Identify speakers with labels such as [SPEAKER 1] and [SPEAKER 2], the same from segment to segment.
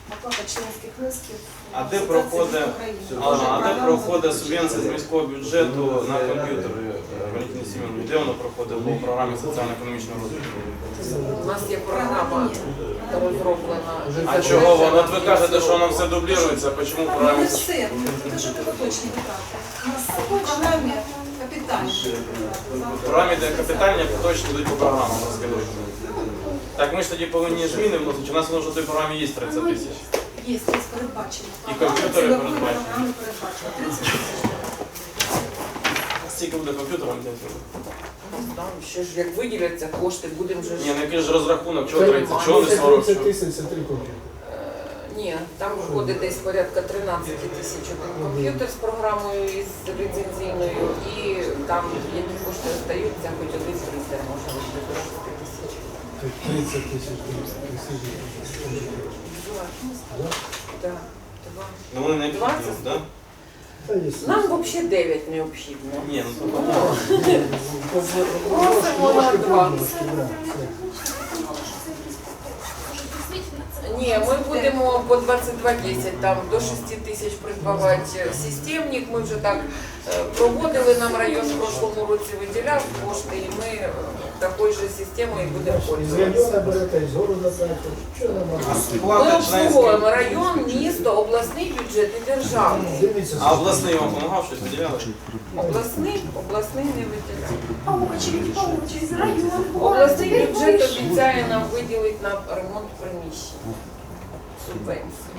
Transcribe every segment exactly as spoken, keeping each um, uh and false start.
[SPEAKER 1] оплата членських внесків.
[SPEAKER 2] А де проходить, а, а де проходить субвенція з міського бюджету на комп'ютери, Валентині Семеновні? Де воно проходить по програмі соціально-економічного розвитку?
[SPEAKER 3] У нас є програма розроблена.
[SPEAKER 2] А чого воно? От ви кажете, що воно все дублюється, а чому в
[SPEAKER 1] Ну,
[SPEAKER 2] програмі?
[SPEAKER 1] не все, це ж поточні витрати. У нас в програмі капітальні.
[SPEAKER 2] В програмі, де капітальні, поточні йдуть по програмам, розкажіть. Так ми ж тоді повинні зміни вносити, у нас воно вже в той програмі є тридцять тисяч.
[SPEAKER 1] Є, є передбачено.
[SPEAKER 2] І комп'ютери
[SPEAKER 1] Програми
[SPEAKER 2] передбачені.
[SPEAKER 1] програми передбачено. тридцять тисяч.
[SPEAKER 2] Скільки буде комп'ютером?
[SPEAKER 3] Там ще ж як виділяться кошти, будемо вже ж...
[SPEAKER 2] Ні, ну який ж розрахунок, чого тридцять, чого не сорок?
[SPEAKER 4] тридцять тисяч, це три комп'ютери.
[SPEAKER 3] Е, Ні, там входить десь порядка тринадцять тисяч один комп'ютер з програмою із ліцензійною, і там, які кошти остаються, хоч один принтер може бути до шести тисяч.
[SPEAKER 4] тридцять тисяч.
[SPEAKER 3] Так, два.
[SPEAKER 2] Ну вони не
[SPEAKER 3] двадцять?
[SPEAKER 2] підуть, так?
[SPEAKER 3] Нам взагалі дев'ять необхідно.
[SPEAKER 2] Ні, ну то
[SPEAKER 3] Просимо на двадцять. Ні, ми будемо по двадцять два десять, там до шести тисяч придбавати системник. Ми вже так е, проводили, нам район в прошлому році виділяв кошти, і ми е, такою же системою будемо
[SPEAKER 4] З
[SPEAKER 3] пользуватися.
[SPEAKER 4] району берете, з города берете. Що нам
[SPEAKER 2] А
[SPEAKER 4] можна?
[SPEAKER 3] Ми
[SPEAKER 2] сплата членських.
[SPEAKER 3] обслуговуємо район, місто, обласний бюджет і державний.
[SPEAKER 4] Дивіться,
[SPEAKER 2] А обласний вам допомагав, щось виділяли?
[SPEAKER 3] Обласний, обласний не виділяв.
[SPEAKER 1] Очередь по очередь, район,
[SPEAKER 3] Обласний бюджет обіцяє нам виділити на ремонт приміщень. Субвенції.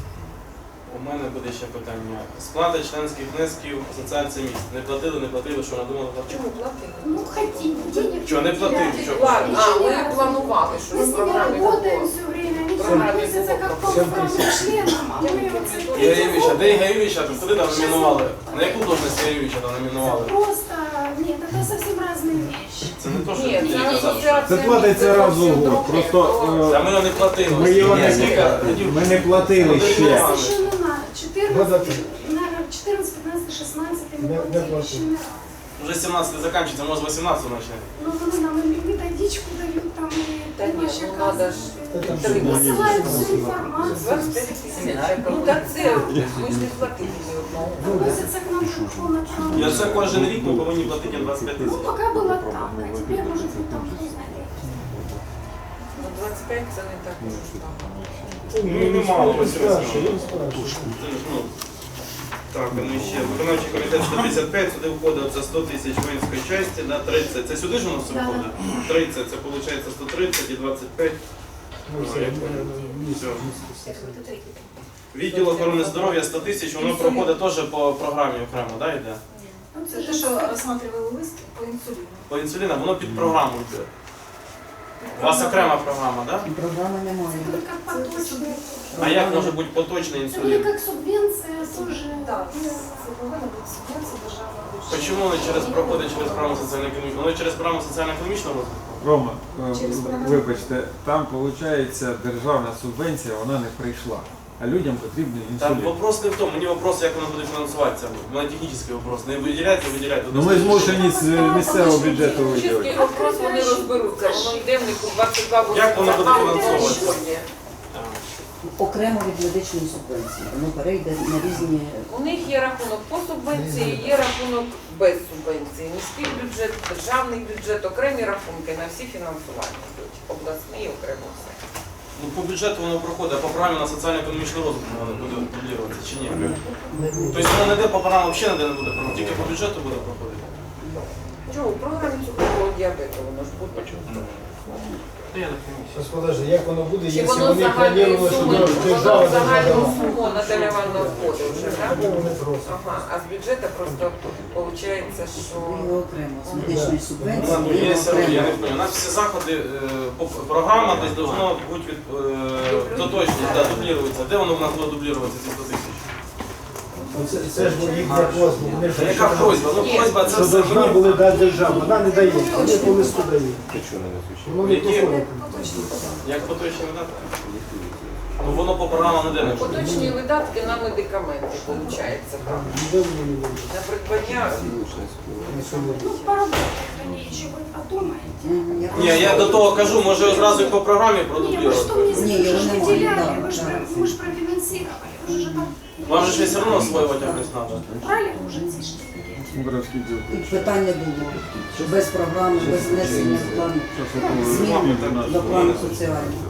[SPEAKER 2] У мене буде ще питання. Сплата членських внесків асоціації міст. Не платили, не платили, що надумали платити?
[SPEAKER 3] Чому платили?
[SPEAKER 5] Ну, хотим, денег.
[SPEAKER 2] Що, не платили? Що?
[SPEAKER 3] Ладно, а ми планували, що
[SPEAKER 5] Мы
[SPEAKER 3] в
[SPEAKER 5] с ними
[SPEAKER 3] програмі
[SPEAKER 5] работаем
[SPEAKER 3] було.
[SPEAKER 5] все время, они
[SPEAKER 3] Программе
[SPEAKER 5] относятся как к
[SPEAKER 4] Семь
[SPEAKER 5] полноправным членам, а мы вот с
[SPEAKER 2] Ігор Євгенович, а де Ігор Євгенович, а куди там номінували? На яку должність Ігор Євгеновича там номінували?
[SPEAKER 5] Просто, нет, это совсем разные вещи.
[SPEAKER 2] Це не то, що
[SPEAKER 3] Ні,
[SPEAKER 2] я
[SPEAKER 3] це
[SPEAKER 2] казав, що...
[SPEAKER 3] асоціація.
[SPEAKER 6] Це платиться
[SPEAKER 3] міст,
[SPEAKER 6] раз в
[SPEAKER 3] зовсім
[SPEAKER 6] год.
[SPEAKER 3] друге.
[SPEAKER 6] Просто,
[SPEAKER 3] То-
[SPEAKER 2] Та ми його не платили.
[SPEAKER 6] Ми його не-
[SPEAKER 2] Скільки?
[SPEAKER 6] Ми не платили ще.
[SPEAKER 5] Совершенно на
[SPEAKER 4] Года
[SPEAKER 5] четырнадцать, наверное, четырнадцать, пятнадцать, шестнадцать мы
[SPEAKER 4] Не- не
[SPEAKER 5] платили
[SPEAKER 4] платили.
[SPEAKER 5] еще не раз.
[SPEAKER 2] Вже сімнадцятий закінчиться, може вісімнадцятого почне.
[SPEAKER 5] Ну, они нам и методичку дают, там, и
[SPEAKER 3] Та ні,
[SPEAKER 5] помощь
[SPEAKER 3] ну надо ж
[SPEAKER 5] оказывают.
[SPEAKER 3] підтримати.
[SPEAKER 5] Посылают всю информацию.
[SPEAKER 3] двадцять п'ять тисяч. Ну так це, ми ж не платили ні одного.
[SPEAKER 5] Относятся к нам полноправно.
[SPEAKER 2] Я це кожен рік ми повинні платити двадцять п'ять
[SPEAKER 5] Ну,
[SPEAKER 2] тисяч.
[SPEAKER 5] пока было так, а теперь, может быть, там, кто знает.
[SPEAKER 3] Ну двадцять п'ять це не так уж багато.
[SPEAKER 2] Ну, немало,
[SPEAKER 4] Він
[SPEAKER 2] Василь
[SPEAKER 4] спрашує,
[SPEAKER 2] Васильович.
[SPEAKER 4] він спрашує.
[SPEAKER 2] Це ж, ну, Так, ну і ще. Виконавчий комітет сто п'ятдесят п'ять, сюди входить це сто тисяч воїнської частини, на тридцять. Це сюди ж у нас все входить? тридцять, це виходить сто тридцять і двадцять п'ять.
[SPEAKER 4] Ну, все,
[SPEAKER 2] я
[SPEAKER 4] ми-
[SPEAKER 2] понял.
[SPEAKER 4] ми-
[SPEAKER 2] Все.
[SPEAKER 1] Як ви тут ріки?
[SPEAKER 2] Відділ охорони здоров'я сто тисяч, воно проходить теж по програмі окремо, да, йде?
[SPEAKER 1] Ну, це те, що розсматривали лист по інсуліну.
[SPEAKER 2] По інсуліну, воно під програму йде. У вас окрема програма, так? Да?
[SPEAKER 7] Програми немає.
[SPEAKER 5] Это будет как поточный.
[SPEAKER 2] А як може бути поточний
[SPEAKER 5] Это будет
[SPEAKER 2] інсулін?
[SPEAKER 5] как субвенция тоже.
[SPEAKER 1] Так, це повинна бути субвенція державного бюджету.
[SPEAKER 2] Чому воно через проходить через програму соціально-економічного? Воно через програму соціально-економічного розвитку?
[SPEAKER 6] Рома, е,
[SPEAKER 1] Через програму.
[SPEAKER 6] вибачте, там виходить державна субвенція, вона не прийшла. А людям потрібен
[SPEAKER 2] Там
[SPEAKER 6] інсулін.
[SPEAKER 2] вопрос не в тому, мені вопрос, як воно буде фінансуватися. У мене технічний вопрос. Не виділяється, виділяється.
[SPEAKER 6] Ну ми змушені з місцевого бюджету
[SPEAKER 3] Чистий
[SPEAKER 6] виділити.
[SPEAKER 3] вопрос, вони розберуться. Воно йде в них у двадцять два
[SPEAKER 2] Як воно буде фінансовуватися?
[SPEAKER 3] фінансовуватися?
[SPEAKER 7] Окремо від медичної субвенції. Воно перейде на різні.
[SPEAKER 3] У них є рахунок по субвенції, є рахунок без субвенції. Міський бюджет, державний бюджет, окремі рахунки на всі фінансування йдуть. Обласний окремо все.
[SPEAKER 2] Ну, по бюджету воно проходить, а по програмі на соціально-економічний розвиток воно буде дублюватися чи ні? Тобто воно не йде по програмі, взагалі ніде не буде проходити, тільки по бюджету буде проходити.
[SPEAKER 3] Чого? У програмі цукрового діабету воно ж буде.
[SPEAKER 2] Та я не розумію.
[SPEAKER 4] Зараз подожди, як воно буде,
[SPEAKER 3] Чи
[SPEAKER 4] якщо
[SPEAKER 3] воно
[SPEAKER 4] вони
[SPEAKER 3] загальною
[SPEAKER 4] планували, що
[SPEAKER 3] сумою,
[SPEAKER 4] держава
[SPEAKER 3] воно загальну
[SPEAKER 4] держава.
[SPEAKER 3] суму Наталя Івановна входить вже, так?
[SPEAKER 4] Тоді вони просять.
[SPEAKER 3] Ага, а з бюджету просто виходить, що...
[SPEAKER 7] І окремо з медичної
[SPEAKER 2] Ну,
[SPEAKER 7] субвенції.
[SPEAKER 2] ладно,
[SPEAKER 7] і
[SPEAKER 2] є сервіс, я не
[SPEAKER 7] окремо.
[SPEAKER 2] розумію. У нас всі заходи, е, по- програма десь должна бути від, е, доточність, да, дублюватися. Де воно в нас буде дублюватися, ці сто тисяч?
[SPEAKER 4] Ну, Це, це ж їхня просьба. Вони ж
[SPEAKER 2] Та яка просьба? Ну, просьба це
[SPEAKER 4] що
[SPEAKER 2] все
[SPEAKER 4] должна
[SPEAKER 2] мені.
[SPEAKER 4] були дати держава. Вона не дає, вони по листу дають. Воно не
[SPEAKER 2] Які?
[SPEAKER 4] проходить.
[SPEAKER 1] Поточні програми.
[SPEAKER 2] Як поточні дати? Ну воно по програмам не йде.
[SPEAKER 3] Поточні видатки на медикаменти, виходить, там. На придбання.
[SPEAKER 5] Ну, поработать, они еще вы подумаете.
[SPEAKER 7] Мгм, я
[SPEAKER 2] Ні, я до того кажу, може одразу і по програмі
[SPEAKER 5] Не, вы
[SPEAKER 2] продублювати.
[SPEAKER 5] что мне
[SPEAKER 7] Не,
[SPEAKER 5] сказали,
[SPEAKER 7] я
[SPEAKER 5] вы же
[SPEAKER 7] не могу,
[SPEAKER 5] выделяли,
[SPEAKER 7] да,
[SPEAKER 5] вы же
[SPEAKER 7] да.
[SPEAKER 5] про- мы же профинансировали, вы же там
[SPEAKER 2] Вам же ж все одно освоювати якось треба.
[SPEAKER 5] брали уже ці ж деньги.
[SPEAKER 6] Мудровський діл.
[SPEAKER 7] І питань не було. Без програми, без внесення в план змін до плану соціального.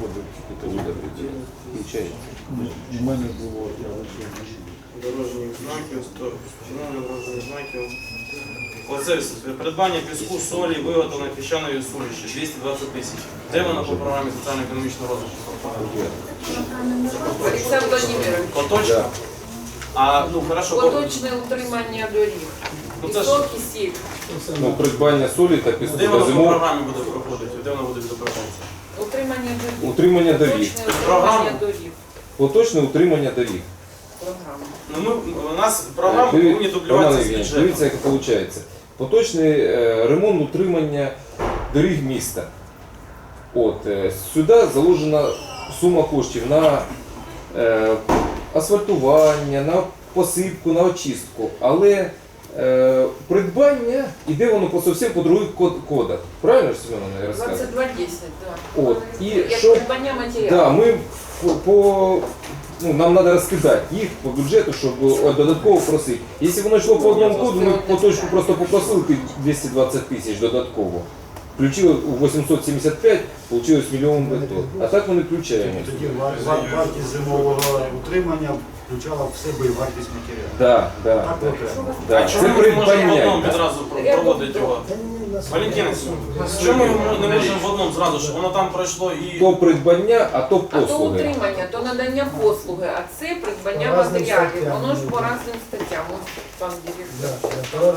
[SPEAKER 6] У мене було, я лише.
[SPEAKER 2] Дорожніх знаків, сто- встановлення дорожніх знаків. Оце все. Придбання піску, солі, виготовлення піщаної суміші, двісті двадцять тисяч. Де воно по програмі соціально-економічного розвитку?
[SPEAKER 3] Олександр Владимирович,
[SPEAKER 2] Поточно? А, ну, хорошо. по-
[SPEAKER 3] поточне утримання доріг.
[SPEAKER 2] Ну, це ж-
[SPEAKER 3] Пісок і сіль.
[SPEAKER 8] Ну, придбання солі та піску
[SPEAKER 2] Де
[SPEAKER 8] для
[SPEAKER 2] воно по
[SPEAKER 8] зимов,
[SPEAKER 2] програмі буде проходити? Де воно буде відображатися?
[SPEAKER 3] Утримання доріг.
[SPEAKER 8] утримання доріг.
[SPEAKER 3] Поточне
[SPEAKER 2] Програма?
[SPEAKER 3] утримання доріг.
[SPEAKER 8] Поточне утримання доріг.
[SPEAKER 3] Програма.
[SPEAKER 2] Ну, ми, у нас програми
[SPEAKER 8] Диві-
[SPEAKER 2] повинні
[SPEAKER 8] Роман
[SPEAKER 2] дублюватися з
[SPEAKER 8] Євгенович,
[SPEAKER 2] бюджетом.
[SPEAKER 8] дивіться, як це виходить. Поточний е, ремонт утримання доріг міста. От, е, сюди заложена сума коштів на е, асфальтування, на посипку, на очистку. Але е, придбання іде воно по зовсім по других код- кодах. Правильно ж Семен не розказує?
[SPEAKER 3] двадцять два десять, так.
[SPEAKER 8] От, і
[SPEAKER 3] Як
[SPEAKER 8] що
[SPEAKER 3] придбання матеріалу.
[SPEAKER 8] Да, ми по, по ну, нам треба розкидати їх по бюджету, щоб о, додатково просити. Якщо воно йшло по одному коду, ми по точку просто попросили під двісті двадцять тисяч додатково. Включили у вісімсот сімдесят п'ять, вийшло мільйон бетон. А так ми не включаємо.
[SPEAKER 4] Тоді вар- вар- вартість зимового утримання включала в себе і вартість матеріалу.
[SPEAKER 8] Да, да,
[SPEAKER 4] Так
[SPEAKER 8] да.
[SPEAKER 4] окремо.
[SPEAKER 2] А
[SPEAKER 8] Да.
[SPEAKER 2] чому
[SPEAKER 8] Це
[SPEAKER 2] ми не можемо в
[SPEAKER 8] придбання.
[SPEAKER 2] одному відразу про- проводити його? Валентина, чому ми не можемо в одному зразу, щоб воно там пройшло і...
[SPEAKER 8] То придбання, а то
[SPEAKER 3] А то
[SPEAKER 8] послуги.
[SPEAKER 3] утримання, то надання послуги, а це придбання
[SPEAKER 4] По разним
[SPEAKER 3] матеріалів.
[SPEAKER 4] статтям.
[SPEAKER 3] Воно ж по разним статтям. Ось пан директор.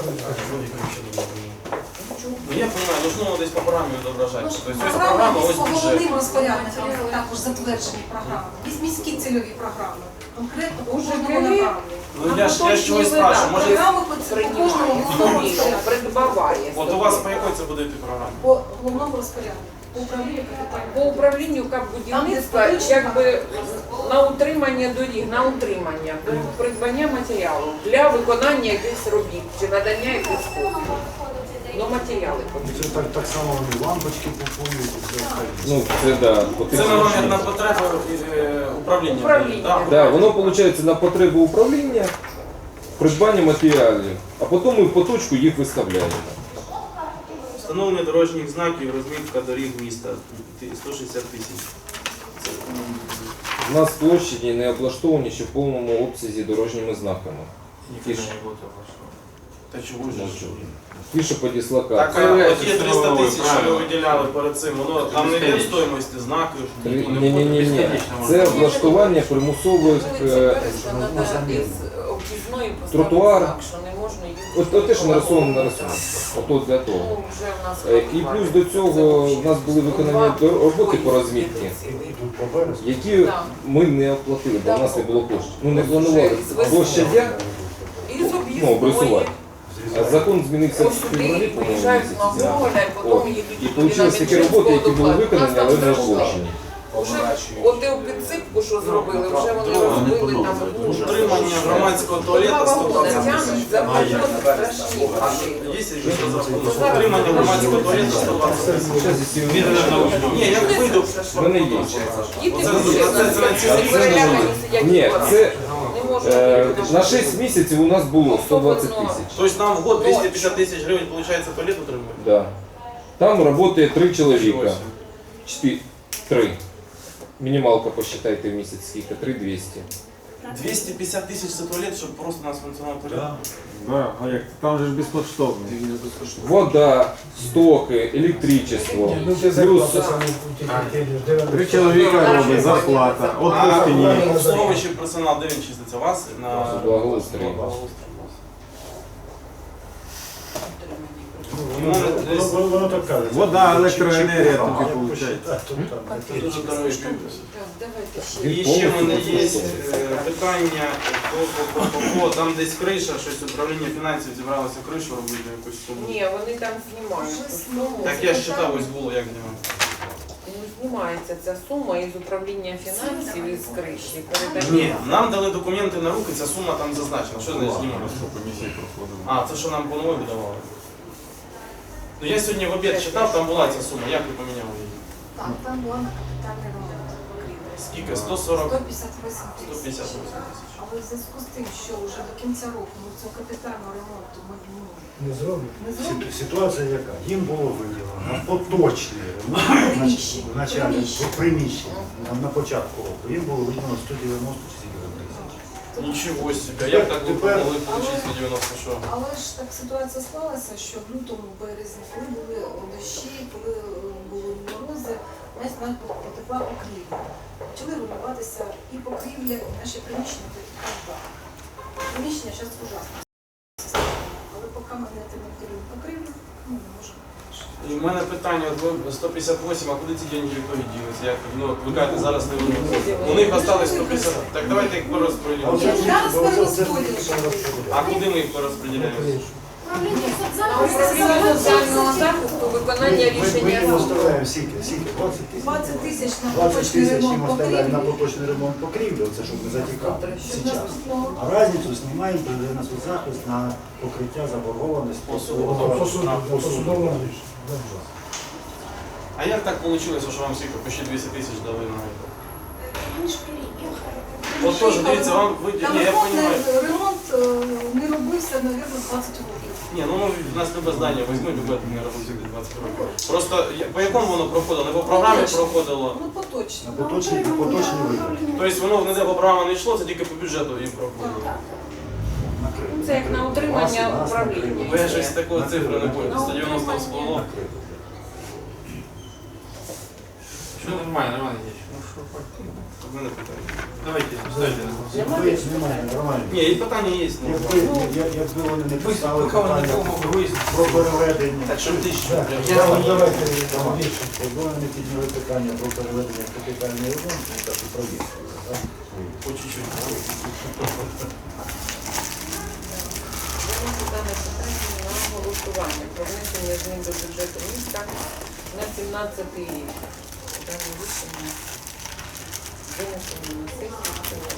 [SPEAKER 2] Ну, я розумію, должно воно десь по програмі відображатися. Тобто ось
[SPEAKER 1] Програма,
[SPEAKER 2] програма,
[SPEAKER 1] є
[SPEAKER 2] ось
[SPEAKER 1] по
[SPEAKER 2] бюджет.
[SPEAKER 1] головним розпорядникам, також затверджені програми. Є міські цільові програми, конкретно по
[SPEAKER 3] Уже
[SPEAKER 1] кожному
[SPEAKER 3] коли-
[SPEAKER 1] направленню.
[SPEAKER 2] Ну я ж я ж чогось спрашиваю, може
[SPEAKER 1] Програми по ці- по кожному
[SPEAKER 3] Приймає
[SPEAKER 1] головному
[SPEAKER 3] собі,
[SPEAKER 1] розпоряднику.
[SPEAKER 3] придбаває.
[SPEAKER 2] от у вас по якій це буде йти програма?
[SPEAKER 1] По головному розпоряднику, по управлінню
[SPEAKER 3] По
[SPEAKER 1] капітального.
[SPEAKER 3] управлінню капбудівництва,
[SPEAKER 1] Там, де столична-
[SPEAKER 3] якби на утримання доріг, на утримання, придбання матеріалу для виконання якихось робіт чи надання якихось послуг. Ну, матеріали потрібні.
[SPEAKER 4] Це так, так само вони лампочки купують і все остальне.
[SPEAKER 8] Ну, це да.
[SPEAKER 2] Це
[SPEAKER 8] потрібно.
[SPEAKER 2] на, на потребу е, управління.
[SPEAKER 3] Управління.
[SPEAKER 2] Да.
[SPEAKER 8] Да, воно виходить на потребу управління, придбання матеріалів, а потім ми в поточку їх виставляємо.
[SPEAKER 2] Встановлення дорожніх знаків, розмітка доріг міста сто шістдесят тисяч.
[SPEAKER 8] У нас площаді не облаштовані ще в повному обсязі дорожніми знаками.
[SPEAKER 2] Ніхто не буде Та чого ж?
[SPEAKER 8] Мовчу. Пише по
[SPEAKER 2] Так,
[SPEAKER 8] дислокації.
[SPEAKER 2] а от є триста тисяч, що ви виділяли перед цим, воно там не йде в стоїмості знаків.
[SPEAKER 8] Ні, ні, ні, ні. Це облаштування примусових.
[SPEAKER 3] Вулиці
[SPEAKER 8] е,
[SPEAKER 3] Бережна треба із об'їзної поставити
[SPEAKER 8] тротуар.
[SPEAKER 3] знак, що не можна їздити.
[SPEAKER 8] От, от те, що нарисовано, нарисовано. Ото для того.
[SPEAKER 3] Ну, вже в нас
[SPEAKER 8] Е, І плюс до цього в нас були виконані до- роботи по розмітці,
[SPEAKER 4] Тут по березу.
[SPEAKER 8] які
[SPEAKER 3] Да.
[SPEAKER 8] ми не оплатили, бо в нас не було коштів. Ну не планували площадя,
[SPEAKER 3] І з
[SPEAKER 8] ну,
[SPEAKER 3] об'їзної.
[SPEAKER 8] обрисувати. А закон змінився в
[SPEAKER 3] Ось сюди
[SPEAKER 8] февралі, по-моєму,
[SPEAKER 3] приїжджають на
[SPEAKER 8] місяці.
[SPEAKER 3] Гоголя, і
[SPEAKER 8] От.
[SPEAKER 3] потім їдуть
[SPEAKER 8] І
[SPEAKER 3] туди на
[SPEAKER 8] вийшли такі роботи, які були виконані, але не оплачені.
[SPEAKER 3] Вже от і підсипку, що зробили, вже вони розбили там ужас.
[SPEAKER 2] Утримання громадського туалету сто двадцять
[SPEAKER 3] Тягнуть,
[SPEAKER 2] тисяч.
[SPEAKER 3] за вагони страшні машини.
[SPEAKER 2] Є якийсь розрахунок? Утримання громадського туалету сто двадцять тисяч.
[SPEAKER 8] Зараз, якщо
[SPEAKER 2] Ні, я вийду.
[SPEAKER 8] в мене є.
[SPEAKER 3] Діти
[SPEAKER 2] Оце-
[SPEAKER 3] вже
[SPEAKER 2] це- це на цілий рік?
[SPEAKER 3] перелякані сидять.
[SPEAKER 8] Ні,
[SPEAKER 3] вдома.
[SPEAKER 8] це
[SPEAKER 3] Не можна
[SPEAKER 8] е,
[SPEAKER 3] вийти
[SPEAKER 8] на шість місяців у нас було сто двадцять тисяч.
[SPEAKER 2] Тобто нам в год двісті п'ятдесят тисяч гривень, виходить, туалет утримує?
[SPEAKER 8] Да. Там працює три чоловіка. Чотири. Три. Мінімалка посчитайте в місяць скільки? Три двісті.
[SPEAKER 2] двісті п'ятдесят тисяч за туалет, щоб просто у нас функціонував туалет?
[SPEAKER 6] Да, а як? Там же ж безкоштовно.
[SPEAKER 8] Вода, стоки, електричество.
[SPEAKER 4] Ну, ти
[SPEAKER 8] Плюс
[SPEAKER 4] зарплата саме у тих дев'яносто.
[SPEAKER 6] Три чоловіка робить, зарплата. Отпуски ні.
[SPEAKER 2] Обслуговуючий персонал, де він числиться? У вас? На
[SPEAKER 8] благоустрій.
[SPEAKER 2] Ну, десь
[SPEAKER 4] Воно воно так каже.
[SPEAKER 6] Вода, електроенергія
[SPEAKER 4] Чи- чи-
[SPEAKER 6] тобі
[SPEAKER 4] чи-
[SPEAKER 6] виходить.
[SPEAKER 4] Так, тут там.
[SPEAKER 2] дуже дорогий капець.
[SPEAKER 3] Так, давайте ще.
[SPEAKER 2] І ще в мене є е, питання, по- по- по- по- там десь криша, щось управління фінансів зібралося кришу робити якусь суму.
[SPEAKER 3] Ні, вони там знімають.
[SPEAKER 2] Так я ж читав, ось було, як знімати.
[SPEAKER 3] Ну, знімається ця сума із управління фінансів із криші.
[SPEAKER 2] Ні,
[SPEAKER 3] Передаємо.
[SPEAKER 2] нам дали документи на руки, ця сума там зазначена. Що значить знімаємо?
[SPEAKER 6] комісії проходимо.
[SPEAKER 2] А, це що нам по новій видавали? Ну я сьогодні в обід читав, там була ця сума, як ви поміняли її?
[SPEAKER 1] Так, там була на капітальний ремонт покрівлі.
[SPEAKER 2] Скільки? сто сорок?
[SPEAKER 1] сто п'ятдесят вісім
[SPEAKER 2] сто
[SPEAKER 1] тисяч.
[SPEAKER 2] п'ятдесят вісім тисяч.
[SPEAKER 1] Але в зв'язку з тим, що вже до кінця року ми цього капітального ремонту ми ну,
[SPEAKER 4] Не зроблять.
[SPEAKER 1] не зробимо.
[SPEAKER 4] Ситу- Ситуація яка? Їм було виділено на поточний ремонт
[SPEAKER 1] Приміщення.
[SPEAKER 4] в началі
[SPEAKER 1] Приміщення.
[SPEAKER 4] в приміщення на, на початку року. Їм було виділено сто дев'яносто чи скільки там тисяч.
[SPEAKER 2] Нічого собі, а як так ви
[SPEAKER 4] Тепер-
[SPEAKER 2] могли отримати сто дев'яносто що?
[SPEAKER 1] Але ж так ситуація склалася, що в лютому, березні, коли були дощі, коли е, були морози, весь навіть потекла покрівля. Почали руйнуватися і покрівля, і наші приміщення потекла. Приміщення зараз ужасно. Але поки ми не отремонтуємо покрівлю, ну, не можемо.
[SPEAKER 2] І в мене питання, от ви сто п'ятдесят вісім, а куди ці деньги в ітогі ділися? Як, ну, от ви кажете, зараз не вернуться. У них осталось сто п'ятдесят. Так давайте їх
[SPEAKER 4] А
[SPEAKER 2] порозподілимо.
[SPEAKER 4] оце
[SPEAKER 1] Я
[SPEAKER 4] ж-
[SPEAKER 1] зараз
[SPEAKER 4] оце- оце
[SPEAKER 1] перерозподіл,
[SPEAKER 4] ж
[SPEAKER 1] що
[SPEAKER 4] треба
[SPEAKER 1] ви.
[SPEAKER 4] розподіляти.
[SPEAKER 2] А куди ми їх порозподіляємо?
[SPEAKER 5] Управління
[SPEAKER 3] Управління соціального захисту, виконання
[SPEAKER 4] Ми, ми, ми
[SPEAKER 3] рішення
[SPEAKER 4] їм
[SPEAKER 3] суду.
[SPEAKER 4] оставляємо скільки? Скільки? двадцять тисяч?
[SPEAKER 1] двадцять тисяч на
[SPEAKER 4] двадцять
[SPEAKER 1] поточний
[SPEAKER 4] тисяч їм
[SPEAKER 1] ремонт
[SPEAKER 4] оставляємо на
[SPEAKER 1] покрівлі.
[SPEAKER 4] поточний ремонт покрівлі, оце щоб не затікало
[SPEAKER 1] Щоб
[SPEAKER 4] зараз.
[SPEAKER 1] наступного
[SPEAKER 4] А разницю знімаємо тоді на соцзахист на покриття заборгованості.
[SPEAKER 2] По суду.
[SPEAKER 4] По суду. По суду.
[SPEAKER 2] А як так вийшло, що вам всіх почти двісті тисяч дали на це?
[SPEAKER 5] Вони ж переїхали.
[SPEAKER 2] От теж, дивіться, вам ви...
[SPEAKER 1] Там
[SPEAKER 2] Ні, я
[SPEAKER 1] ремонт,
[SPEAKER 2] розумію.
[SPEAKER 1] не- ремонт е, не робився, мабуть, двадцять років.
[SPEAKER 2] Ні, ну в нас любе здання, візьмуть любе, не робити двадцять років. Просто я- по якому воно проходило? Не по програмі
[SPEAKER 1] Поточно.
[SPEAKER 2] проходило.
[SPEAKER 1] Ну, поточно.
[SPEAKER 4] На поточний, на поточний вигляд.
[SPEAKER 2] Тобто воно ніде по програмі не йшло, це тільки по бюджету їм проходило.
[SPEAKER 3] Ну, це як на утримання управління.
[SPEAKER 2] Бо я щось такої цифри не бою. сто дев'яносто всплыло.
[SPEAKER 9] Все нормально, Роман Ильич. Ну что,
[SPEAKER 2] В мене питання.
[SPEAKER 9] давайте, ставьте на голосование.
[SPEAKER 4] Якби немає, нормально.
[SPEAKER 2] Ні, і питання є. Ну.
[SPEAKER 4] Якби, я- якби вони не
[SPEAKER 9] Вы
[SPEAKER 4] писали
[SPEAKER 9] пока вы не
[SPEAKER 4] питання
[SPEAKER 9] могу выяснить.
[SPEAKER 4] про переведення.
[SPEAKER 2] Так, щоб тисячу.
[SPEAKER 4] Так,
[SPEAKER 2] прям.
[SPEAKER 4] я вам давайте більше. Якби вони не підняли питання про переведення в капітальний ремонт, то так і провірте. так?
[SPEAKER 2] По чуть-чуть.
[SPEAKER 3] Виносить дане питання на голосування про внесення змін до бюджету міста на сімнадцятий рік. Дане рішення винесено на сесію.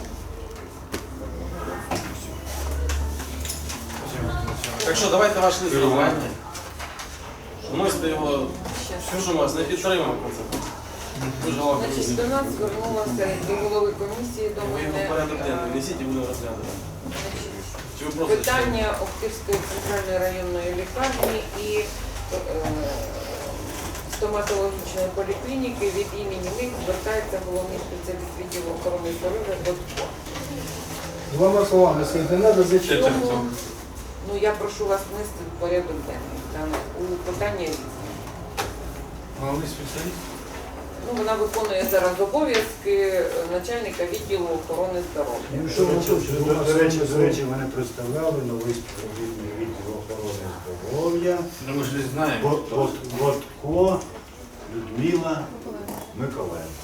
[SPEAKER 2] Так що, давайте ваш лист розгляньте. Вносите його, що ж у вас, не підтримуємо це. Ви ж голова
[SPEAKER 3] Значить,
[SPEAKER 2] комісії.
[SPEAKER 3] до нас звернулася до голови комісії, до
[SPEAKER 2] Ви його в
[SPEAKER 3] мене
[SPEAKER 2] порядок денний
[SPEAKER 3] е,
[SPEAKER 2] несіть і будемо розглядати.
[SPEAKER 3] значить,
[SPEAKER 2] Чи ви просто
[SPEAKER 3] питання Охтирської центральної районної лікарні і е, стоматологічної поліклініки від імені них звертається головний спеціаліст відділу охорони здоров'я Бодко.
[SPEAKER 10] Двома словами, если не надо, зачем?
[SPEAKER 9] Это кто?
[SPEAKER 3] Ну, я прошу вас внести в порядок денний. Там у питанні різні.
[SPEAKER 9] Главный специалист?
[SPEAKER 3] Ну, вона виконує зараз обов'язки е, начальника відділу охорони здоров'я.
[SPEAKER 4] Ну, що ви тут? До- До речі, до речі, мене представляли новий співробітник відділу охорони здоров'я.
[SPEAKER 9] Ну мы же не знаем,
[SPEAKER 4] Бот-
[SPEAKER 9] кто.
[SPEAKER 4] Бот- Ботко Людмила Миколенко.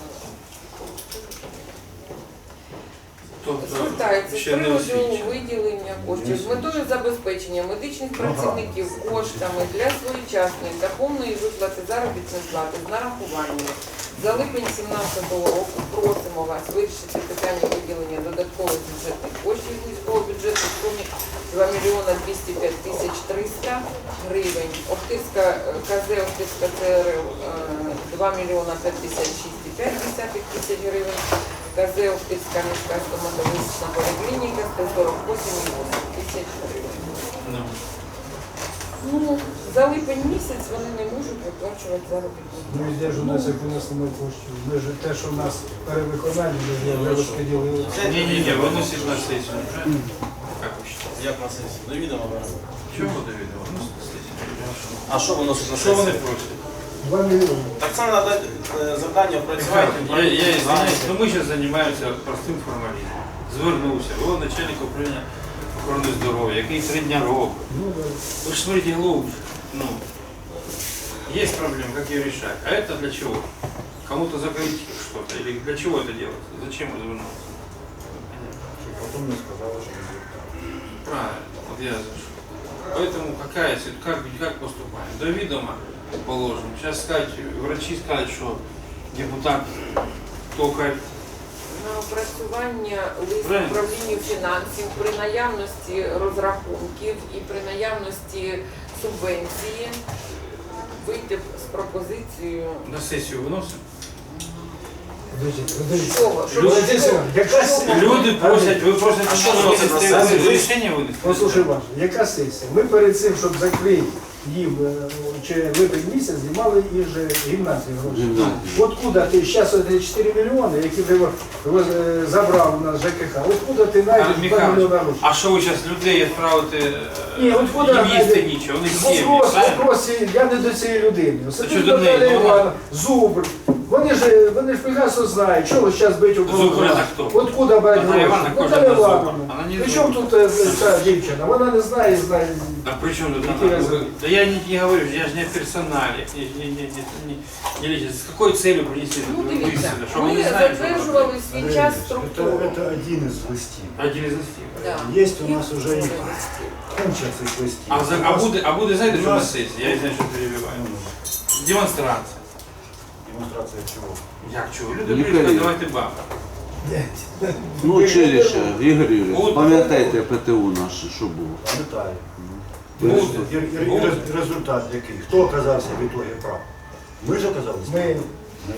[SPEAKER 9] Кто, кто?
[SPEAKER 3] Звертається з
[SPEAKER 9] Ще не
[SPEAKER 3] приводу
[SPEAKER 9] освічений.
[SPEAKER 3] виділення коштів з метою забезпечення медичних працівників коштами для своєчасної та повної виплати заробітної плати з нарахуваннями. За липень дві тисячі сімнадцятого року просимо вас вирішити питання виділення додаткових бюджетних коштів з міського бюджету в сумі два мільйони двісті п'ять тисяч триста гривень. Охтирська е, КЗ Охтирська ЦРЛ е, два мільйони п'ятдесят шість і п'ять десятих тисяч гривень. КЗ Охтирська міська стоматологічна поліклініка сто сорок вісім і вісім тисяч гривень.
[SPEAKER 9] Ну,
[SPEAKER 3] Ну, за липень місяць вони не можуть виплачувати заробітну
[SPEAKER 10] Ну і де ж у нас як винесли коштів? Ми ж те, що в нас перевиконання, ми ж не розподілили.
[SPEAKER 9] не-не-не, выносит на сессию уже. Как вы считаете?
[SPEAKER 2] Як на сесії? До відома беремо.
[SPEAKER 9] Чего Давида? Выносит на сессию.
[SPEAKER 2] А що виносить на
[SPEAKER 9] Что вони
[SPEAKER 2] сесію?
[SPEAKER 9] просят?
[SPEAKER 10] Два мільйони.
[SPEAKER 2] Так це треба дати е, завдання працювати.
[SPEAKER 9] Я, я извиняюсь, но мы сейчас занимаемся простым формализмом. Звернувся, о, начальник управління охорони здоров'я, який три дня робить.
[SPEAKER 10] Ну, да.
[SPEAKER 9] Вы же смотрите глубже. Ну, есть проблемы, как ее решать. А это для чего? Кому-то закрыть что-то? Или для чего это делать? Зачем это вернуться?
[SPEAKER 4] Щоб потім не сказали, що не звертали.
[SPEAKER 9] Правильно, вот я за что. Поэтому какая ситуация, как, как поступаем? До ведома положим. Сейчас сказать, врачи скажут, что депутат только
[SPEAKER 3] На опрацювання лист
[SPEAKER 9] Правильно.
[SPEAKER 3] управлінню фінансів при наявності розрахунків і при наявності субвенції вийти з пропозицією
[SPEAKER 9] на сессию выносим.
[SPEAKER 10] Подождіть, подождіть.
[SPEAKER 3] чого? Щоб
[SPEAKER 10] Валентин
[SPEAKER 3] що?
[SPEAKER 10] Семенович, яка сесія?
[SPEAKER 9] Люди просять, вы просите,
[SPEAKER 2] А
[SPEAKER 9] что
[SPEAKER 2] что
[SPEAKER 9] вы
[SPEAKER 2] выносить на сессию?
[SPEAKER 9] решение вынести?
[SPEAKER 10] Послухай, Ваш, яка сесія? Ми перед цим, щоб закрити їм е, чи липень місяць, знімали і ж гімназії гроші. Откуда ти, зараз чотири мільйони, які ти е, забрав у нас ЖКХ, откуда ти
[SPEAKER 9] А,
[SPEAKER 10] знайдеш два
[SPEAKER 9] Михайло,
[SPEAKER 10] мільйони грошей?
[SPEAKER 9] а що ви зараз людей відправите,
[SPEAKER 10] Ні, от куди
[SPEAKER 9] їм їсти
[SPEAKER 10] знайде-
[SPEAKER 9] нічого, вони сім'ї,
[SPEAKER 10] Вопрос,
[SPEAKER 9] правильно?
[SPEAKER 10] вопрос, я не до цієї людини.
[SPEAKER 9] що
[SPEAKER 10] Сидить
[SPEAKER 9] до неї?
[SPEAKER 10] Наталя
[SPEAKER 9] Ну, вона-
[SPEAKER 10] Івановна, Зубр. Вони ж, вони ж прекрасно знають, чого зараз бить у
[SPEAKER 9] Зубр це хто?
[SPEAKER 10] Откуда брати
[SPEAKER 9] Наталя
[SPEAKER 10] гроші?
[SPEAKER 9] Івановна кожен
[SPEAKER 10] Наталя
[SPEAKER 9] на Зубр.
[SPEAKER 10] Івановна.
[SPEAKER 9] Вона не
[SPEAKER 10] При
[SPEAKER 9] Зубр.
[SPEAKER 10] чому тут е, ця дівчина? Вона не знає, знає.
[SPEAKER 9] А при чем тут
[SPEAKER 10] Какие
[SPEAKER 9] она?
[SPEAKER 10] разы?
[SPEAKER 9] Да я не, не говорю, я же не о персонале, не, не, не, не, не, не лезет. С какой целью принесли
[SPEAKER 3] Ну,
[SPEAKER 9] эту
[SPEAKER 3] дивіться,
[SPEAKER 9] высылку? Что мы
[SPEAKER 3] ми
[SPEAKER 9] не знаем, что
[SPEAKER 3] затверджували
[SPEAKER 9] это?
[SPEAKER 3] свій час структуру.
[SPEAKER 11] Это один из листів.
[SPEAKER 9] Один из листів.
[SPEAKER 3] Да.
[SPEAKER 11] Есть у нас
[SPEAKER 3] Їх
[SPEAKER 11] уже и
[SPEAKER 3] структура.
[SPEAKER 11] куча цих листів.
[SPEAKER 9] А, за, а, буде, а буде, знаєте,
[SPEAKER 11] У
[SPEAKER 9] що на
[SPEAKER 11] нас-
[SPEAKER 9] сесії? Я не знаю, що перебиваю. Демонстрація.
[SPEAKER 11] Демонстрація чого?
[SPEAKER 9] Як чого? Люди прийшли, давайте бабу.
[SPEAKER 12] Ну, училище, Ігор Юрійович,
[SPEAKER 9] От-
[SPEAKER 12] пам'ятаєте ПТУ наше, що було?
[SPEAKER 11] Пам'ятаю.
[SPEAKER 9] Буде.
[SPEAKER 11] І, і, і
[SPEAKER 9] Буде.
[SPEAKER 11] рез- результат який? Хто оказався в ітогі прав? Ми ж оказалися?
[SPEAKER 10] Ми
[SPEAKER 11] Ми.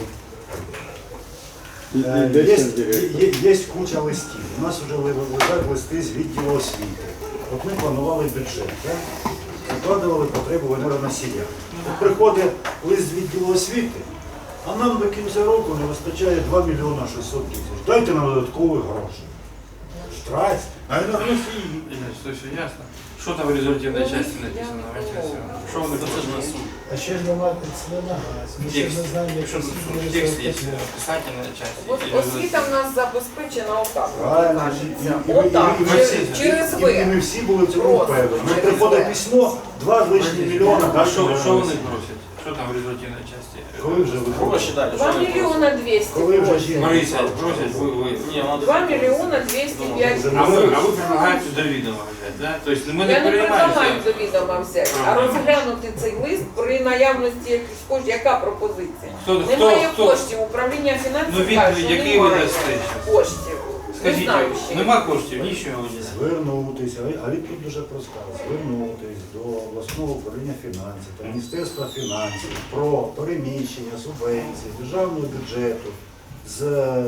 [SPEAKER 11] Е, Є, є, є куча листів. У нас вже лежать листи з відділу освіти. От ми планували бюджет, так? Закладували потребу енергоносія. От приходить лист з відділу освіти, а нам до кінця року не вистачає два мільйони шістсот тисяч. Дайте нам додаткові гроші. Страсть. А енергоносії.
[SPEAKER 9] Що все ясно. Що там в результативній частині написано? Що вони написано?
[SPEAKER 10] А ще ж нема це на газ. Ми ще
[SPEAKER 9] Текст.
[SPEAKER 10] не знаємо, як
[SPEAKER 9] Що
[SPEAKER 10] це
[SPEAKER 9] тут текст є? Писательна частина.
[SPEAKER 3] От освіта в нас забезпечена отак,
[SPEAKER 11] Правильно.
[SPEAKER 3] кажеться.
[SPEAKER 11] І- і- і-
[SPEAKER 3] Отак,
[SPEAKER 11] і- і-
[SPEAKER 3] через-
[SPEAKER 11] і-
[SPEAKER 3] через
[SPEAKER 11] І
[SPEAKER 3] ви.
[SPEAKER 11] ми всі були в цьому
[SPEAKER 3] Просто
[SPEAKER 11] впевнені. Ми
[SPEAKER 3] через
[SPEAKER 11] приходить
[SPEAKER 3] ви.
[SPEAKER 11] письмо, два з лишнім мільйона.
[SPEAKER 9] А
[SPEAKER 11] дайте
[SPEAKER 9] що,
[SPEAKER 11] нам
[SPEAKER 9] що вони
[SPEAKER 11] енергоносії.
[SPEAKER 9] просять? Що там в результативній частині?
[SPEAKER 11] Коли вже ви
[SPEAKER 2] Гроші далі.
[SPEAKER 3] два мільйона двісті
[SPEAKER 11] Коли вже
[SPEAKER 3] просять.
[SPEAKER 11] жінка?
[SPEAKER 9] Марися, просять, ви, ви.
[SPEAKER 2] Ні, вона
[SPEAKER 3] два мільйона двісті п'ять.
[SPEAKER 9] А ви, а ви предлагаєте до відома взяти, да? Тобто ми не
[SPEAKER 3] Я не предлагаю
[SPEAKER 9] приймаємо.
[SPEAKER 3] до відома взяти, а
[SPEAKER 9] Ага.
[SPEAKER 3] розглянути цей лист при наявності якихось коштів. Яка пропозиція?
[SPEAKER 9] Хто, хто,
[SPEAKER 3] Немає
[SPEAKER 9] хто?
[SPEAKER 3] коштів. Управління
[SPEAKER 9] Ну
[SPEAKER 3] фінансів
[SPEAKER 9] він,
[SPEAKER 3] каже, що
[SPEAKER 9] який ви
[SPEAKER 3] немає
[SPEAKER 9] дасте зараз?
[SPEAKER 3] коштів. Не
[SPEAKER 9] Скажіть,
[SPEAKER 3] знаю ще.
[SPEAKER 9] нема коштів, нічого не.
[SPEAKER 11] Звернутися, а відповідь дуже проста. Звернутися до обласного управління фінансів та Міністерства фінансів про переміщення субвенцій державного бюджету з е,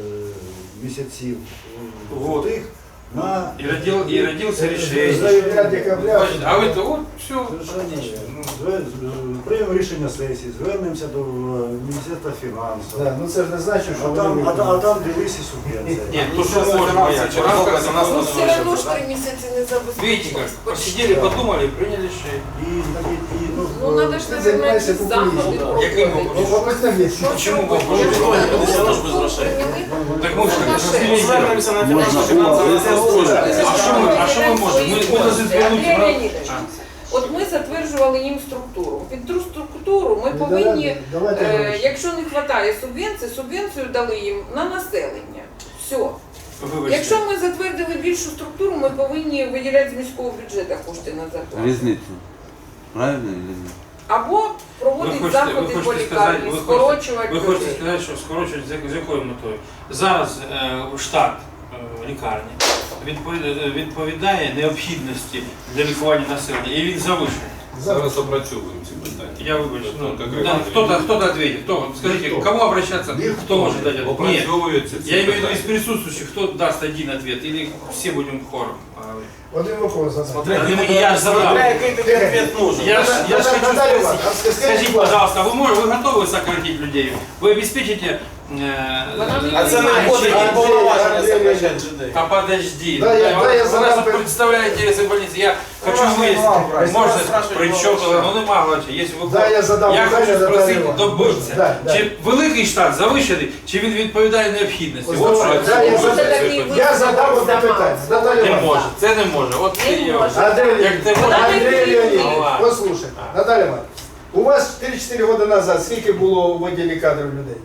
[SPEAKER 11] місяців е,
[SPEAKER 9] Вот.
[SPEAKER 11] тих на
[SPEAKER 9] І, родил, і родився рішення.
[SPEAKER 10] Заявля декабря.
[SPEAKER 9] А ви то, от, все.
[SPEAKER 11] Совершенно вірно. Зве- з- Приймемо рішення сесії, звернемося до е, Міністерства фінансів.
[SPEAKER 10] Да, ну це ж не значить, що
[SPEAKER 11] А там,
[SPEAKER 10] вони
[SPEAKER 11] а, та- а там дивись і субвенція.
[SPEAKER 9] Ні, то що можна, я в рамках
[SPEAKER 2] нас
[SPEAKER 3] Ну
[SPEAKER 2] не
[SPEAKER 3] все одно ж три місяці не забезпечено.
[SPEAKER 9] Видите как, посидели, подумали, приняли решение.
[SPEAKER 11] І, і, і, ну,
[SPEAKER 3] Ну треба ж,
[SPEAKER 10] Ти
[SPEAKER 3] мабуть,
[SPEAKER 10] займаєшся
[SPEAKER 3] якісь заходи
[SPEAKER 10] популізмом.
[SPEAKER 9] Яким
[SPEAKER 3] проводити.
[SPEAKER 10] Ну, мабуть, там є.
[SPEAKER 9] Почему
[SPEAKER 3] Ну,
[SPEAKER 9] вопрос?
[SPEAKER 3] ну,
[SPEAKER 2] Все одно ж без грошей.
[SPEAKER 9] Так мы же как
[SPEAKER 3] Ми
[SPEAKER 2] Звернемося на
[SPEAKER 12] Можна
[SPEAKER 2] фінансово-фінансове міністерство.
[SPEAKER 9] А що ми, а що ми можемо? Ми, ми должны звернути
[SPEAKER 3] Андрій
[SPEAKER 9] на...
[SPEAKER 3] Леонідович, от ми затверджували їм структуру. Під ту структуру ми
[SPEAKER 10] Ну,
[SPEAKER 3] повинні,
[SPEAKER 10] давайте- давайте
[SPEAKER 3] е,
[SPEAKER 10] гроші.
[SPEAKER 3] якщо не вистачає субвенції, субвенцію дали їм на населення. Все.
[SPEAKER 9] Вибачте.
[SPEAKER 3] Якщо ми затвердили більшу структуру, ми повинні виділяти з міського бюджету кошти на зарплату.
[SPEAKER 12] Різницю. Правильно чи ні?
[SPEAKER 3] Або
[SPEAKER 9] Ви
[SPEAKER 3] проводити
[SPEAKER 9] хочете,
[SPEAKER 3] заходи
[SPEAKER 9] ви
[SPEAKER 3] по
[SPEAKER 9] хочете сказати,
[SPEAKER 3] лікарні,
[SPEAKER 9] ви хочете,
[SPEAKER 3] скорочувати
[SPEAKER 9] ви хочете
[SPEAKER 3] людей.
[SPEAKER 9] сказати, що скорочують з, з якою метою? Зараз е, штат е, лікарні відповідає, відповідає необхідності для лікування населення, і він завищений.
[SPEAKER 4] Зараз опрацьовуємо ці питання.
[SPEAKER 9] Я вибачу. Ну,
[SPEAKER 4] Как
[SPEAKER 9] да,
[SPEAKER 4] регламент.
[SPEAKER 9] кто-то, кто-то ответит. Кто? Скажите, к кому обращаться? Кто может дать ответ? Нет.
[SPEAKER 4] Опрацьовуються ці
[SPEAKER 9] Я имею в виду
[SPEAKER 4] питання.
[SPEAKER 9] из присутствующих, кто даст один ответ, или все будем хором говорить?
[SPEAKER 10] Один вопрос задам.
[SPEAKER 2] Смотря,
[SPEAKER 9] Ну, я ж задав.
[SPEAKER 2] смотря який тобі відповідь нужен.
[SPEAKER 9] Я ж, я ж хочу
[SPEAKER 10] Наталья
[SPEAKER 9] спросить,
[SPEAKER 10] Ивановна, а скажите,
[SPEAKER 9] скажите,
[SPEAKER 10] пожалуйста,
[SPEAKER 9] пожалуйста, вы, можете, вы готовы сократить людей? Вы обеспечите...
[SPEAKER 3] Вона не
[SPEAKER 9] Э,
[SPEAKER 2] А це не
[SPEAKER 3] Андрій,
[SPEAKER 2] входить
[SPEAKER 10] Андрій,
[SPEAKER 2] в повноваження
[SPEAKER 10] Андрій,
[SPEAKER 2] сокращати людей.
[SPEAKER 9] а подожди,
[SPEAKER 10] Да, я- да, я
[SPEAKER 9] вы
[SPEAKER 10] задам
[SPEAKER 9] нас
[SPEAKER 10] пер-
[SPEAKER 9] представляете интересы больницы, я хочу
[SPEAKER 2] вас не
[SPEAKER 9] выяснить,
[SPEAKER 2] мало, просто
[SPEAKER 9] можно,
[SPEAKER 2] вас спрашивать
[SPEAKER 9] при
[SPEAKER 2] мало
[SPEAKER 9] чем,
[SPEAKER 2] вообще.
[SPEAKER 9] ну не мало, если вы
[SPEAKER 10] Да, я задам
[SPEAKER 9] я
[SPEAKER 10] питання,
[SPEAKER 9] хочу
[SPEAKER 10] Наталія
[SPEAKER 9] спросити,
[SPEAKER 10] Іванівна.
[SPEAKER 9] добитися,
[SPEAKER 10] Да, да.
[SPEAKER 9] чи великий штат завищений, чи він відповідає необхідності.
[SPEAKER 10] Ось
[SPEAKER 9] От що
[SPEAKER 10] давай,
[SPEAKER 9] я
[SPEAKER 10] да, я
[SPEAKER 9] хочу.
[SPEAKER 10] задам-
[SPEAKER 3] такий
[SPEAKER 10] Я задав одне питання. Наталія
[SPEAKER 9] Не
[SPEAKER 10] Іванівна.
[SPEAKER 9] може, це не може. От
[SPEAKER 3] Не
[SPEAKER 9] я-
[SPEAKER 3] може.
[SPEAKER 10] Андрей
[SPEAKER 9] Як ти
[SPEAKER 10] Леонидович,
[SPEAKER 3] можеш?
[SPEAKER 10] Андрей Леонидович,
[SPEAKER 9] Ну, ладно.
[SPEAKER 10] послушай, Наталья Ивановна, у вас три-чотири роки назад скільки було у відділі кадрів людей?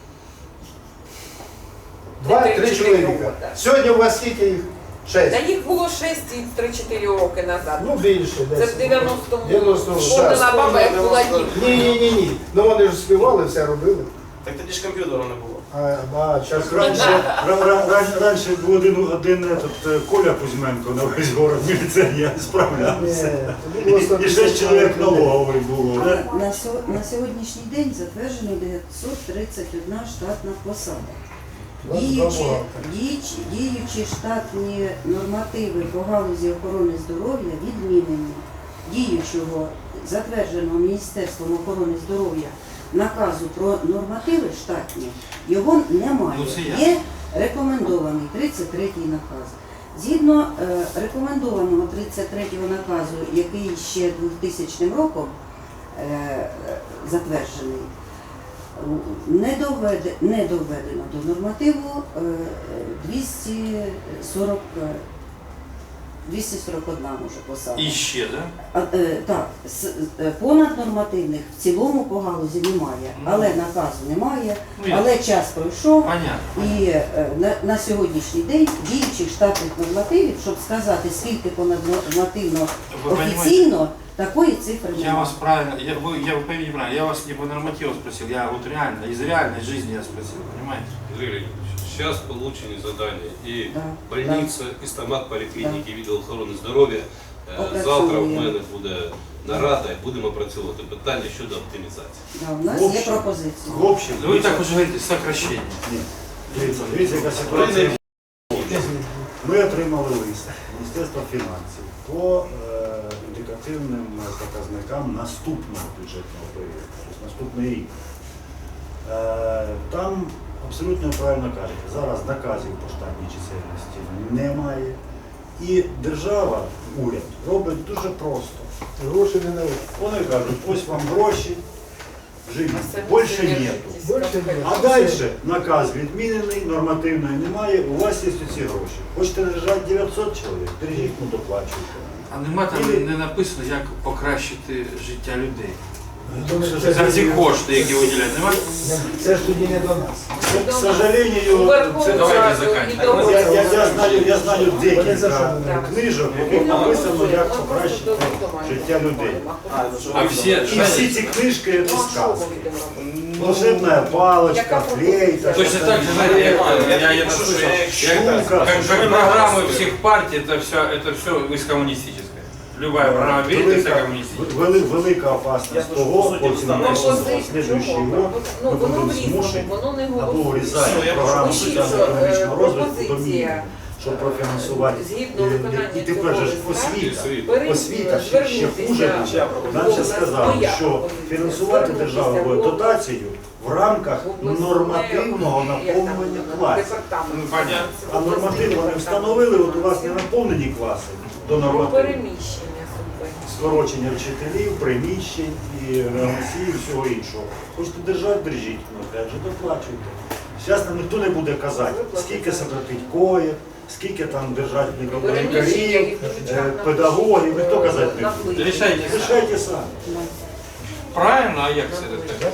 [SPEAKER 10] Два-три
[SPEAKER 3] три-чотири
[SPEAKER 10] чоловіка.
[SPEAKER 3] роки.
[SPEAKER 10] Сьогодні у вас скільки їх?
[SPEAKER 3] Та
[SPEAKER 10] Шесть.
[SPEAKER 3] їх було шість і три-чотири роки назад.
[SPEAKER 10] Ну більше.
[SPEAKER 3] Це
[SPEAKER 10] десь.
[SPEAKER 3] в дев'яностому.
[SPEAKER 10] дев'яностому.
[SPEAKER 3] Вспомнила баба, як була дівчина.
[SPEAKER 10] Ні, ні, ні, ні. Ну вони ж співали, все робили.
[SPEAKER 2] Так тоді ж комп'ютера не було.
[SPEAKER 10] А, а зараз
[SPEAKER 11] Раніше, ра- ра- ран- раніше був один, один этот, е, Коля Кузьменко на весь город міліціонер справлявся. І, і шесть чоловік налоговий було. Да?
[SPEAKER 7] На, сьо- на сьогоднішній день затверджено дев'ятсот тридцять одна штатна посада. Діючі, діючі, діючі штатні нормативи по галузі охорони здоров'я відмінені. Діючого, затвердженого Міністерством охорони здоров'я наказу про нормативи штатні, його немає.
[SPEAKER 9] Ну, це я.
[SPEAKER 7] Є рекомендований тридцять третій наказ. Згідно е, рекомендованого тридцять третього наказу, який ще двохтисячним роком е, затверджений, не, доведе, не доведено до нормативу е, двісті сорок, двісті сорок одна може посада.
[SPEAKER 9] І ще, да?
[SPEAKER 7] А, е, так, с- е, понад нормативних в цілому по галузі немає, але наказу немає,
[SPEAKER 9] Ну, я-
[SPEAKER 7] але час пройшов.
[SPEAKER 9] Понятно.
[SPEAKER 7] І е, на, на сьогоднішній день діючих штатних нормативів, щоб сказати, скільки понаднормативно
[SPEAKER 9] Ви
[SPEAKER 7] офіційно, такої цифри
[SPEAKER 9] Я
[SPEAKER 7] немає.
[SPEAKER 9] вас правильно, я, вы, я вы поймите правильно, я вас не по нормативу спросил, я вот реально, из реальной жизни я спросил, понимаете?
[SPEAKER 13] Юрий Леонидович, сейчас получены задания и
[SPEAKER 7] Да,
[SPEAKER 13] больница, і стомат поліклініки, відділ охорони здоров'я. Е,
[SPEAKER 7] Опрацьовуємо.
[SPEAKER 13] Завтра в мене буде нарада і будемо опрацьовувати питання щодо оптимізації.
[SPEAKER 7] Да, у нас
[SPEAKER 11] В
[SPEAKER 7] є
[SPEAKER 11] общем,
[SPEAKER 7] пропозиції.
[SPEAKER 11] В общем,
[SPEAKER 9] Ну вы так уже говорите, сокращение.
[SPEAKER 11] Ні. Дивіться, дивіться, яка ситуація. Ми отримали лист Міністерства фінансів по е, індикативним показникам наступного бюджетного періоду, тобто наступний рік. Е, там абсолютно правильно кажете, зараз наказів по штатній чисельності немає. І держава, уряд, робить дуже просто.
[SPEAKER 10] Гроші не дають.
[SPEAKER 11] Вони кажуть, ось вам гроші, живіть, більше нету.
[SPEAKER 10] Більше ні.
[SPEAKER 11] А далі наказ відмінений, нормативної немає, у вас є ці гроші. Хочете держати дев'ятсот чоловік, держіть, ну доплачуйте.
[SPEAKER 9] А нема там
[SPEAKER 11] Или-
[SPEAKER 9] не написано, як покращити життя людей.
[SPEAKER 10] Це
[SPEAKER 9] За ці
[SPEAKER 10] ж-
[SPEAKER 9] кошти, які виділяють, нема?
[SPEAKER 10] Це ж тоді не до нас.
[SPEAKER 11] К сожалению,
[SPEAKER 3] Верховну
[SPEAKER 11] це,
[SPEAKER 9] Давайте
[SPEAKER 3] Раду
[SPEAKER 9] заканчиваем.
[SPEAKER 3] і
[SPEAKER 11] я,
[SPEAKER 3] до-
[SPEAKER 11] я, я знаю, я знаю
[SPEAKER 10] Вони за
[SPEAKER 11] декілька
[SPEAKER 10] що?
[SPEAKER 11] книжок, в яких написано, як покращити життя людей.
[SPEAKER 9] А все,
[SPEAKER 11] І всі ці книжки це сказки. Волшебная палочка, флейта.
[SPEAKER 9] точно так же, знаете, я, я, я, это слышал, я-
[SPEAKER 11] Шумка.
[SPEAKER 9] как, как программы всех партий, это все, это все из коммунистической. Любая программа берет, это
[SPEAKER 11] Велика,
[SPEAKER 9] коммунистическая.
[SPEAKER 11] вели- велика опасність того, потім на
[SPEAKER 3] Пропозиції,
[SPEAKER 11] слідуючий
[SPEAKER 3] чому?
[SPEAKER 11] год
[SPEAKER 3] Ну,
[SPEAKER 11] ми
[SPEAKER 3] воно
[SPEAKER 11] будемо
[SPEAKER 3] в різному,
[SPEAKER 11] змушені
[SPEAKER 3] воно не
[SPEAKER 11] або
[SPEAKER 3] голосує.
[SPEAKER 11] врізати програму
[SPEAKER 3] Пишіть, що,
[SPEAKER 11] соціально-економічного
[SPEAKER 3] е,
[SPEAKER 11] розвитку до
[SPEAKER 3] пропозиція,
[SPEAKER 11] мінімуму, щоб профінансувати.
[SPEAKER 3] згідно
[SPEAKER 11] І-
[SPEAKER 3] виконання
[SPEAKER 11] І тепер же ж
[SPEAKER 3] цього
[SPEAKER 11] освіта.
[SPEAKER 3] Перед-
[SPEAKER 11] Освіта ще, ще хуже. Нам ще сказали, що фінансувати держава буде дотацією в рамках нормативного наповнення класів.
[SPEAKER 9] Ну, понятно.
[SPEAKER 11] А норматив вони встановили, от у вас не наповнені класи до
[SPEAKER 3] Про
[SPEAKER 11] нормативу.
[SPEAKER 3] переміщення субвенцій.
[SPEAKER 11] Скорочення вчителів, приміщень і реагенції, і всього іншого. Хочете держати, держіть, ну опять же доплачуйте. Зараз нам ніхто не буде казати, скільки сократить коїв, скільки там держать
[SPEAKER 3] Переміщення
[SPEAKER 11] лікарів,
[SPEAKER 3] їх дуже
[SPEAKER 11] е,
[SPEAKER 3] часто
[SPEAKER 11] педагогів, ніхто казати не буде.
[SPEAKER 3] наплив.
[SPEAKER 9] Решайте.
[SPEAKER 11] Рішайте самі.
[SPEAKER 9] Правильно, а як це так?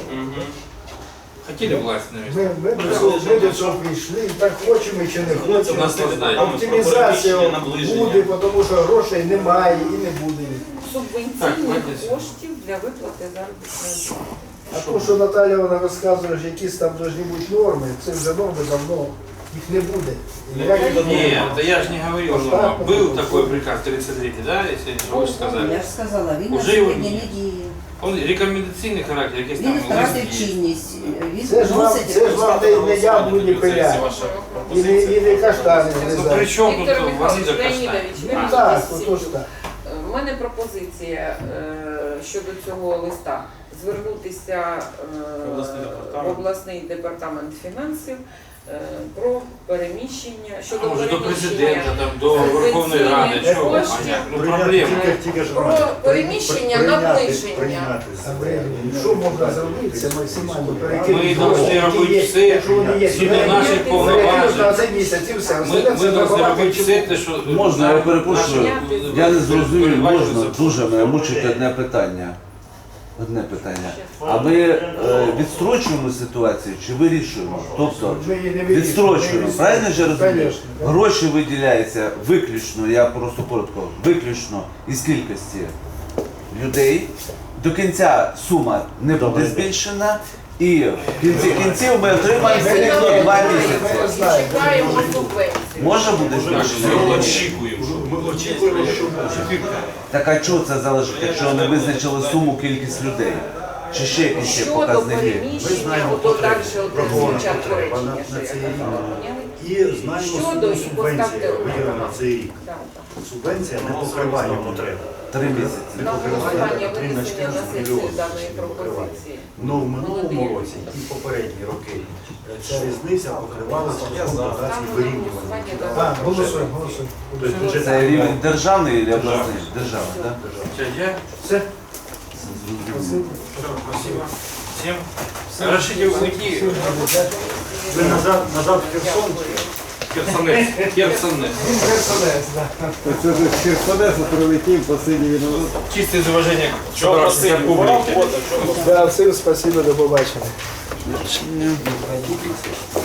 [SPEAKER 9] Хотіли власть,
[SPEAKER 10] Ми,
[SPEAKER 9] наверное.
[SPEAKER 10] ми, до цього- ми до цього прийшли, і так хочемо чи не хочемо.
[SPEAKER 9] Наслаждаємося.
[SPEAKER 10] Оптимізація буде, тому що грошей немає і не буде.
[SPEAKER 9] Так,
[SPEAKER 3] Субвенційних
[SPEAKER 9] Вадя.
[SPEAKER 3] коштів для виплати заробітної плати.
[SPEAKER 10] А то, що Наталя вона розказує, що якісь там повинні бути норми, це вже норми давно, їх не буде. Ніяких норм.
[SPEAKER 9] Нет, да я же не говорил, но был такой приказ тридцать третий, да, если вы же
[SPEAKER 7] Я
[SPEAKER 9] сказали.
[SPEAKER 7] ж сказала, він на
[SPEAKER 9] Уже його
[SPEAKER 7] сьогодні
[SPEAKER 9] ні.
[SPEAKER 7] не діє.
[SPEAKER 9] Он рекомендационный характер, якийсь
[SPEAKER 7] Він
[SPEAKER 9] там
[SPEAKER 7] втратив
[SPEAKER 9] лист є.
[SPEAKER 7] чинність. Він
[SPEAKER 10] Це ж вам,
[SPEAKER 7] вносить
[SPEAKER 10] це ж вам не, не яблуні пиля, і не, і не каштани
[SPEAKER 9] Ну при
[SPEAKER 10] врізати.
[SPEAKER 9] чому тут
[SPEAKER 3] Віктор
[SPEAKER 9] вони
[SPEAKER 3] Михайлович
[SPEAKER 9] до
[SPEAKER 3] Леонідович, ви
[SPEAKER 10] Ну
[SPEAKER 3] можете
[SPEAKER 10] так,
[SPEAKER 3] всі
[SPEAKER 10] ото ж так.
[SPEAKER 3] У мене пропозиція е, щодо цього листа звернутися е,
[SPEAKER 2] Обласний департамент.
[SPEAKER 3] в обласний департамент фінансів е, про переміщення щодо
[SPEAKER 9] А може до
[SPEAKER 3] переміщення
[SPEAKER 9] президента, там, до Верховної Ради,
[SPEAKER 3] субвенційних
[SPEAKER 9] чого
[SPEAKER 3] коштів.
[SPEAKER 9] понятно, ну
[SPEAKER 11] Прийняти
[SPEAKER 9] проблема.
[SPEAKER 11] тільки- тільки ж
[SPEAKER 3] Про
[SPEAKER 11] раді.
[SPEAKER 3] переміщення,
[SPEAKER 11] Прийняти-
[SPEAKER 3] наближення.
[SPEAKER 11] прийняти
[SPEAKER 10] Андрій, що можна зробити, це максимально
[SPEAKER 9] Ми
[SPEAKER 10] перекинути.
[SPEAKER 9] повинні робити все,
[SPEAKER 10] Якщо вони є,
[SPEAKER 9] згідно
[SPEAKER 10] вони
[SPEAKER 9] наших
[SPEAKER 10] є,
[SPEAKER 9] повноважень.
[SPEAKER 10] на цей місяць і все.
[SPEAKER 9] Ми,
[SPEAKER 10] Остальне
[SPEAKER 9] ми
[SPEAKER 10] це
[SPEAKER 9] повинні
[SPEAKER 10] забагато
[SPEAKER 9] робити
[SPEAKER 10] чого.
[SPEAKER 9] все, те, що...
[SPEAKER 12] Можна, я перепрошую.
[SPEAKER 9] наші-
[SPEAKER 12] Я не зрозумів,
[SPEAKER 9] передбачується
[SPEAKER 12] можна, дуже мене мучить одне питання. Одне питання. А ми е, відстрочуємо ситуацію чи вирішуємо? Тобто
[SPEAKER 10] Ми її не вирішуємо,
[SPEAKER 12] відстрочуємо,
[SPEAKER 10] ми
[SPEAKER 12] правильно ж я розумію?
[SPEAKER 10] Конечно, да.
[SPEAKER 12] Гроші виділяються виключно, я просто коротко, виключно із кількості людей. До кінця сума не буде збільшена. І в кінці кінців ми отримаємо все рівно два місяці.
[SPEAKER 3] Чекаємо субвенцію.
[SPEAKER 12] Може бути?
[SPEAKER 13] Ми очікуємо, що
[SPEAKER 11] Ми очікуємо, що буде.
[SPEAKER 12] Так а чого це залежить, якщо не визначили суму, кількість людей? Чи ще якісь є
[SPEAKER 3] Щодо
[SPEAKER 12] показники?
[SPEAKER 11] Ми
[SPEAKER 3] переміщення,
[SPEAKER 11] знаємо
[SPEAKER 3] то
[SPEAKER 11] потреби,
[SPEAKER 3] далі
[SPEAKER 11] врахована
[SPEAKER 3] звучать
[SPEAKER 11] потреба на,
[SPEAKER 3] речення,
[SPEAKER 11] на
[SPEAKER 3] що
[SPEAKER 11] цей
[SPEAKER 3] я
[SPEAKER 11] рік.
[SPEAKER 3] казала.
[SPEAKER 11] І знаємо
[SPEAKER 3] Щодо
[SPEAKER 11] суму
[SPEAKER 3] і
[SPEAKER 11] субвенції,
[SPEAKER 3] поставте
[SPEAKER 11] виділена на цей рік.
[SPEAKER 3] Да, так.
[SPEAKER 11] Субвенція не покриває потреби.
[SPEAKER 12] Три місяці.
[SPEAKER 11] Не
[SPEAKER 3] На
[SPEAKER 11] покриває
[SPEAKER 3] голосування
[SPEAKER 11] на три на
[SPEAKER 3] винесення на
[SPEAKER 11] чотирнадцять
[SPEAKER 3] сесію
[SPEAKER 11] мільйонів.
[SPEAKER 3] даної
[SPEAKER 11] Не покриває.
[SPEAKER 3] пропозиції.
[SPEAKER 11] Ну в минулому році і попередні роки ця різниця покривалася шляхом дотацій вирівнювання.
[SPEAKER 10] Так, голосуємо, голосуємо.
[SPEAKER 11] Тобто бюджет
[SPEAKER 12] Це рівень державний чи обласний? Державний, так?
[SPEAKER 9] Все, я?
[SPEAKER 10] Все.
[SPEAKER 9] Все, спасибо. Всем. Разрешите уйти.
[SPEAKER 11] Ви назад, назад в Херсон?
[SPEAKER 9] Херсонес. Херсонес.
[SPEAKER 6] Це ж з Херсонесу прилетів, посидів і назад.
[SPEAKER 9] Чисте из уважения к
[SPEAKER 2] Що
[SPEAKER 9] собравшейся
[SPEAKER 2] просили?
[SPEAKER 9] публике.
[SPEAKER 10] Да, всім спасибо, до побачення.